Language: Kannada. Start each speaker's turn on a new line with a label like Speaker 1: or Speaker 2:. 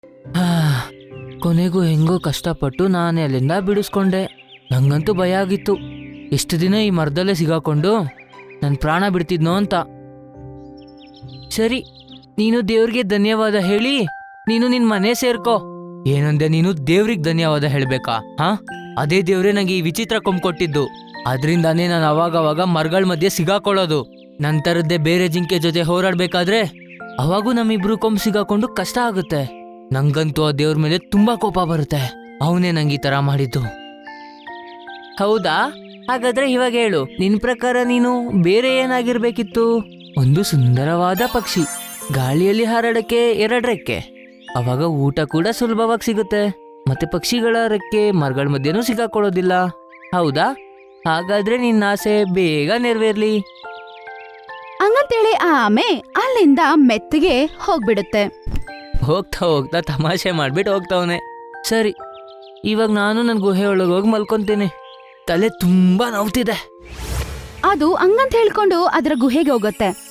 Speaker 1: ಹಾ, ಕೊನೆಗೂ ಹೆಂಗೋ ಕಷ್ಟಪಟ್ಟು ನಾನೇ ಅಲ್ಲಿಂದ ಬಿಡಿಸ್ಕೊಂಡೆ. ನಂಗಂತೂ ಭಯ ಆಗಿತ್ತು, ಎಷ್ಟು ದಿನ ಈ ಮರದಲ್ಲೇ ಸಿಗಾಕೊಂಡು ನನ್ನ ಪ್ರಾಣ ಬಿಡ್ತಿದ್ನೋ ಅಂತ. ಸರಿ, ನೀನು ದೇವ್ರಿಗೆ ಧನ್ಯವಾದ ಹೇಳಿ ನೀನು ನಿನ್ ಮನೆ ಸೇರ್ಕೋ. ಏನಂದೆ ನೀನು? ದೇವ್ರಿಗೆ ಧನ್ಯವಾದ ಹೇಳ್ಬೇಕಾ? ಹಾ, ಅದೇ ದೇವ್ರೇ ನಂಗೆ ಈ ವಿಚಿತ್ರ ಕೊಂಬ್ ಕೊಟ್ಟಿದ್ದು. ಅದ್ರಿಂದಾನೇ ನಾನು ಅವಾಗವಾಗ ಮರಗಳ ಮಧ್ಯೆ ಸಿಗಾಕೊಳ್ಳೋದು. ನಂತರದ್ದೇ ಬೇರೆ ಜಿಂಕೆ ಜೊತೆ ಹೋರಾಡ್ಬೇಕಾದ್ರೆ ಅವಾಗೂ ನಮ್ಮಿಬ್ರು ಕೊಂಬ್ ಸಿಗಾಕೊಂಡು ಕಷ್ಟ ಆಗುತ್ತೆ. ನಂಗಂತೂ ಆ ದೇವ್ರ ಮೇಲೆ ತುಂಬಾ ಕೋಪ ಬರುತ್ತೆ. ಅವನೇ ನಂಗೆ ಈ ತರ ಮಾಡಿದ್ದು. ಹೌದಾ? ಹಾಗಾದ್ರೆ ಇವಾಗ ಹೇಳು, ನಿನ್ ಪ್ರಕಾರ ನೀನು ಬೇರೆ ಏನಾಗಿರ್ಬೇಕಿತ್ತು? ಒಂದು ಸುಂದರವಾದ ಪಕ್ಷಿ, ಗಾಳಿಯಲ್ಲಿ ಹಾರಾಡಕ್ಕೆ 2 ರೆಕ್ಕೆ, ಅವಾಗ ಊಟ ಕೂಡ ಸುಲಭವಾಗಿ ಸಿಗುತ್ತೆ. ಮತ್ತೆ ಪಕ್ಷಿಗಳ ರೆಕ್ಕೆ ಮರಗಳ ಮಧ್ಯೆನೂ ಸಿಗಾಕೊಳ್ಳೋದಿಲ್ಲ. ಹೌದಾ? ಹಾಗಾದ್ರೆ ನಿನ್ನ ಆಸೆ ಬೇಗ ನೆರವೇರ್ಲಿ.
Speaker 2: ಹಂಗಂತೇಳಿ ಆ ಆಮೆ ಅಲ್ಲಿಂದ ಮೆತ್ತಗೆ ಹೋಗ್ಬಿಡುತ್ತೆ.
Speaker 1: ಹೋಗ್ತಾ ಹೋಗ್ತಾ ತಮಾಷೆ ಮಾಡ್ಬಿಟ್ಟು ಹೋಗ್ತಾವನೆ. ಸರಿ, ಇವಾಗ ನಾನು ನನ್ನ ಗುಹೆ ಒಳಗೆ ಹೋಗಿ ಮಲ್ಕೊಂತೀನಿ. ತಲೆ ತುಂಬಾ ನೋವ್ತಿದೆ.
Speaker 2: ಅದು ಹಂಗಂತ ಹೇಳ್ಕೊಂಡು ಅದರ ಗುಹೆಗೆ ಹೋಗುತ್ತೆ.